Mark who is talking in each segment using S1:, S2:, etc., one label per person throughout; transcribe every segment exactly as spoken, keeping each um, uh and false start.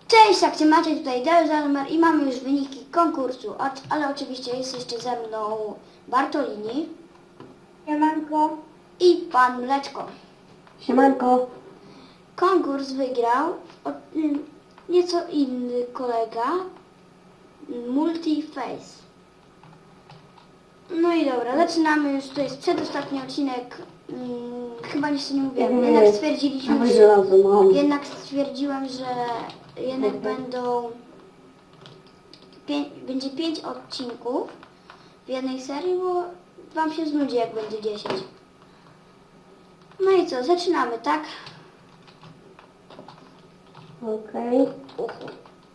S1: Cześć, jak się macie, tutaj Delzamer i mamy już wyniki konkursu, Oc- ale oczywiście jest jeszcze ze mną Bartolini
S2: Siemanko.
S1: i Pan Mleczko.
S2: Siemanko.
S1: Konkurs wygrał o, ym, nieco inny kolega, Multiface. No i dobra, zaczynamy już, to jest przedostatni odcinek, ym, chyba jeszcze nie mówiłem,
S2: Nie,
S1: jednak stwierdziliśmy,
S2: dawaj
S1: że,
S2: żelazo, mam.
S1: jednak stwierdziłem, że jednak
S2: Mhm.
S1: będą, pię, będzie pięć odcinków w jednej serii, bo wam się znudzi, jak będzie dziesięć. No i co, zaczynamy, tak?
S2: Okej.
S1: Uhu.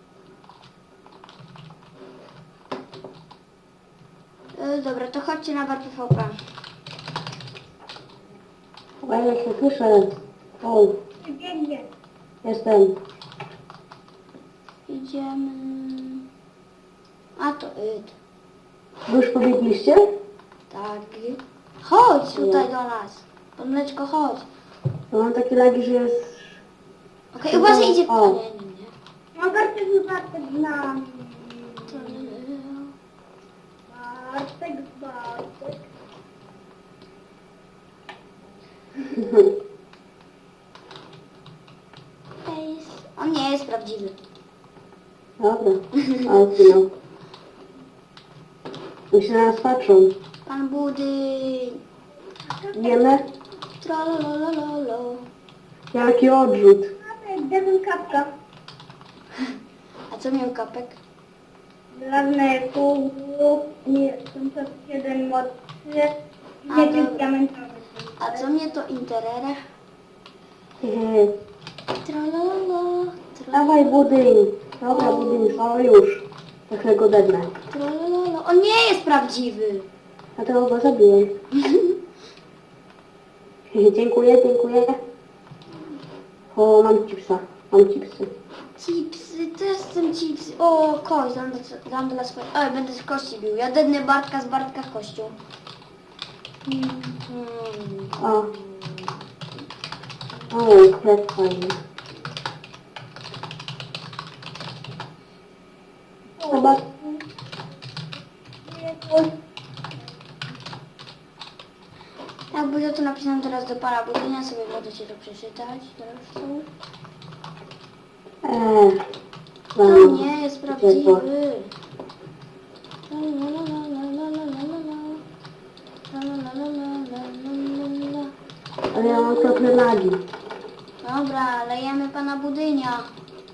S1: E, dobra, to chodźcie na bar P V P.
S2: Okay. Ja się słyszę. O,
S1: Biegnie.
S2: jestem.
S1: Idziemy... A to id.
S2: Wy już pobiegliście?
S1: Tak. Chodź tutaj do nas. Pan Mleczko, chodź.
S2: No mam takie lagi, że jest...
S1: Okej, uważaj, idzie...
S2: O.
S1: A, nie, nie, nie.
S2: No Bartek, Bartek z nami. Bartek, Bartek.
S1: Face. On nie jest prawdziwy.
S2: Dobra. A, zginął. Oni się na nas patrzą.
S1: Pan Budyń.
S2: Wiemy?
S1: Trololololo.
S2: Jaki odrzut.
S3: Gdybym kapka
S1: A co miał kapek?
S3: żelazne pół, nie, pięćset jeden mod trzy,
S1: A,
S3: nie
S1: dobra.
S3: tym diamentowy.
S1: A co mnie to interere?
S2: Hehe.
S1: Trololo.
S2: Dawaj budyń. Dobra, budyń, o już. Tak go dednę.
S1: Trololo. On nie jest prawdziwy.
S2: A tego go zabiłem. Dziękuję, dziękuję. O, mam chipsa. Mam chipsy.
S1: Chipsy, też chcę chipsy. O, kość, dam, do- dam dla swoich... Oj, będę z kości bił. Ja dednę Bartka z Bartka kością. Mm.
S2: O. O, chleb fajny. Chyba...
S1: Jak będzie to napisane teraz do Pana Budynia, sobie możecie to przeczytać. Zresztą.
S2: Eee.
S1: To
S2: no,
S1: nie jest
S2: ciepło.
S1: prawdziwy. La, la, la, la, la, la, la, la, la. La, la, la, la, la, la, la, la.
S2: Ale ja mam trochę lagi.
S1: Dobra, lejemy Pana Budynia.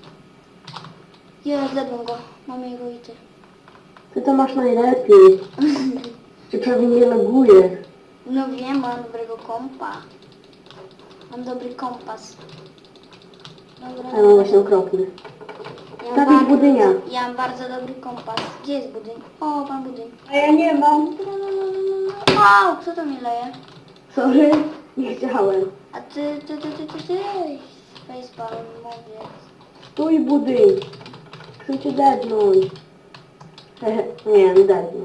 S1: Jest, zjadłem go. Mamy jego ity.
S2: Ty to masz najlepiej. Cię prawie nie laguje.
S1: No wiem, bo mam dobrego kompa. Mam dobry kompas. Dobra.
S2: A ja mam właśnie okropny.
S1: Ja mam
S2: Stawić
S1: bardzo-
S2: Budynia.
S1: Ja mam bardzo dobry kompas. Gdzie jest Budyń? O, Pan Budyń.
S3: A ja nie mam.
S1: Wow, kto to mi leje?
S2: Sorry, nie chciałem.
S1: A ty, ty, ty, ty, ty, ty. Facepalm, mówię.
S2: Stój budyń. Chcę cię dednąć. Hehe, nie, nie dednął.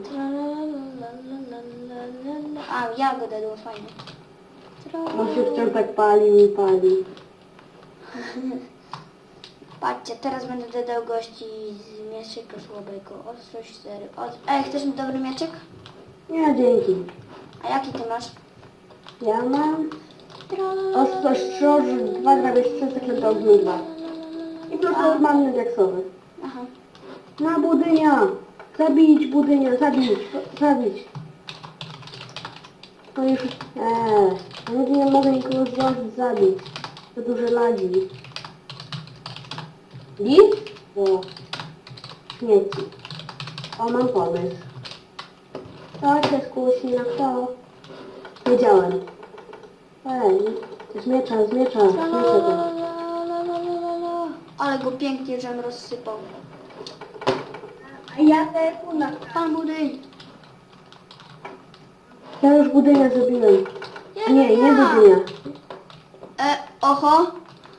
S1: A, ja go dedłem, fajnie.
S2: On się wciąż tak palił i palił.
S1: Patrzcie, teraz będę dodał gości z mieczyka słabego. Ostrość cztery. Od... Ej, chcesz mi dobry mieczek?
S2: Nie, dzięki.
S1: A jaki ty masz?
S2: Ja mam ostrość trzoż, dwa grabiesz trzy, zaklęte ogniu dwa. I plus normalny diaksowy.
S1: Aha.
S2: Na budynia! Zabić budynia, zabić, zabić. No już, eee, ja nigdy nie mogę nikogo zdążyć zabić. To duże lagi. Git? O, śmieci. O, mam pomysł. To się skusi na kto? Wiedziałem. Ej, z miecza, z miecza, z miecza. to.
S1: Ale go pięknie, żem rozsypał.
S3: A ja te kuna.
S1: Pan Budyń.
S2: Ja już budynia zrobiłem.
S1: Ja,
S2: Nie,
S1: ja.
S2: nie budynia.
S1: E, oho.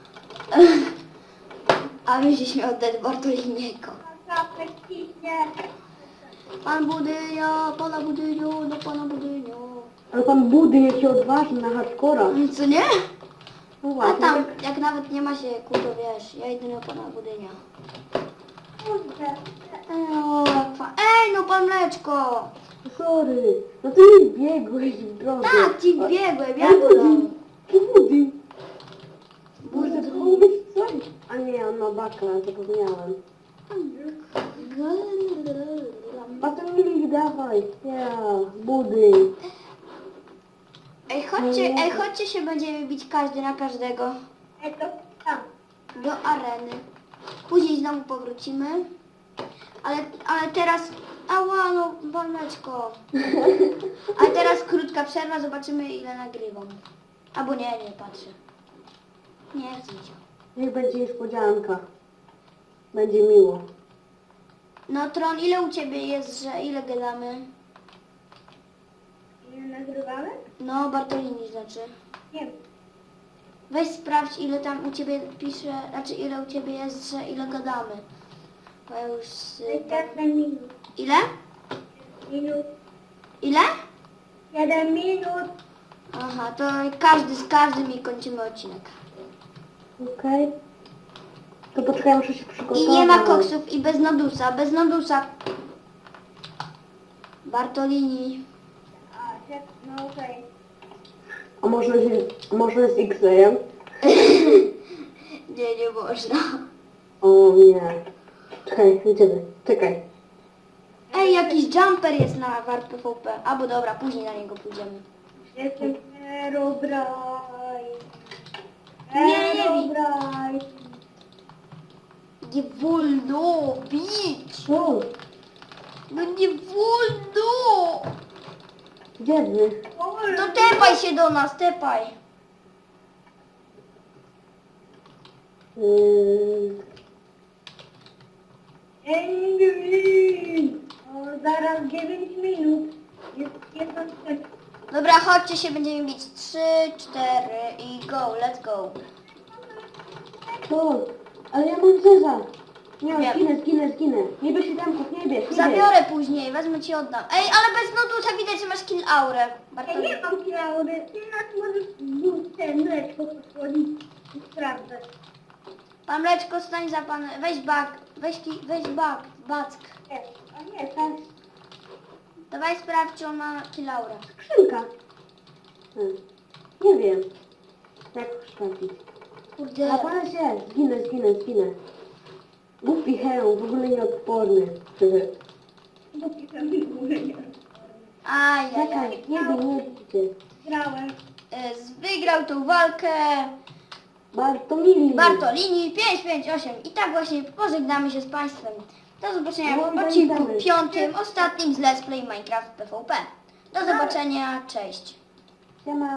S1: A my żeśmy oddać Bartoliniego.
S3: Kapek ciśnie.
S1: Pan Budynio, Pana Budyniu, do Pana Budyniu.
S2: Ale pan budyń jaki odważny na hardcora.
S1: Co nie?
S2: No
S1: A
S2: właśnie,
S1: tam,
S2: tak-
S1: jak nawet nie ma się ku, to wiesz, ja idę na pana budynia.
S3: Kurde.
S1: Ej, o, jak fa... Ej, no pan Mleczko!
S2: Sorry, no ty mi biegłeś w drogę.
S1: Tak, ci
S2: A-
S1: biegłem, ja
S2: Ale
S1: to
S2: budyń,
S1: dam.
S2: to budyń.
S1: Budyń.
S2: Może to mógł być coś? A nie, on ma baka, zapomniałem. Batonik, dawaj. Ja, budyń.
S1: Ej, chodźcie, ej, chodźcie się będziemy bić każdy na każdego
S3: Ej, to tam.
S1: do areny. Później znowu powrócimy. Ale, ale teraz... Ała, no, Waleczko. Ale teraz krótka przerwa, zobaczymy ile nagrywam. Albo nie, nie patrzę. Nie chcę mi się.
S2: Niech będzie niespodzianka. Będzie miło.
S1: No Tron, ile u ciebie jest, że ile gadamy?
S3: Nie nagrywamy?
S1: No, Bartolini znaczy.
S3: Nie wiem.
S1: Weź sprawdź ile tam u ciebie pisze, znaczy ile u ciebie jest, że ile gadamy. Bo ja już... y, tam...
S3: siedem minut.
S1: Ile?
S3: Minut.
S1: Ile?
S3: siedem minut.
S1: Aha, to każdy z każdym i kończymy odcinek.
S2: Okej. To poczekaj, muszę się przygotować.
S1: I nie ma koksów i bez nodusa, bez nodusa. Bartolini.
S3: A, się- no okej.
S2: A może, z- może z X-Rayem?
S1: Nie, nie można.
S2: O nie. Czekaj, idziemy. Czekaj.
S1: Ej, jakiś jumper jest na Warp P V P. Albo dobra, później na niego pójdziemy.
S3: Jestem Herobrine.
S1: Nie, nie bij.
S3: Herobrine.
S1: Nie wolno bić.
S2: O,
S1: No nie wolno.
S2: gdzie wy?
S1: To tepaj się do nas, tepaj.
S2: Yy,
S3: Engrin. O, zaraz dziewięć minut. Jest jedna sekunda.
S1: Dobra, chodźcie się, będziemy bić. Trzy, cztery i go, let's go.
S2: to, ale ja mam zeza. Nie,
S1: Wiem.
S2: zginę, zginę, zginę. Nie bierz siódemków, nie bierz, nie bierz.
S1: Zabiorę później, wezmę ci oddam. Ej, ale bez nodusa widać, że masz kill aurę.
S3: Ja
S1: Bartolini.
S3: nie mam kilaury. Ty nas możesz w ten mleczko posłodzić i sprawdzać.
S1: Pan Mleczko, stań za pan, weź bak, weź, ki, weź bak, back.
S3: Nie, a nie, tak.
S1: Dawaj sprawdź, czy on ma kill aurę.
S2: Skrzynka. Hmm. Nie wiem. Jak sprawdzić?
S1: Kurde.
S2: A pana się, zginę, zginę, zginę. Głupi hełm, w ogóle nieodporny.
S3: Bo pisam w ogóle nie.
S1: Ajajaj.
S2: Czekaj, nie bij, nie bijcie.
S3: Grałem.
S1: Y, z- Wygrał tą walkę
S2: Bartomili.
S1: Bartolini pięć pięć osiem. I tak właśnie pożegnamy się z Państwem. Do zobaczenia w
S2: No,
S1: odcinku
S2: dajemy.
S1: piątym, ostatnim z Let's Play Minecraft P V P. Do zobaczenia, cześć.
S2: Siema.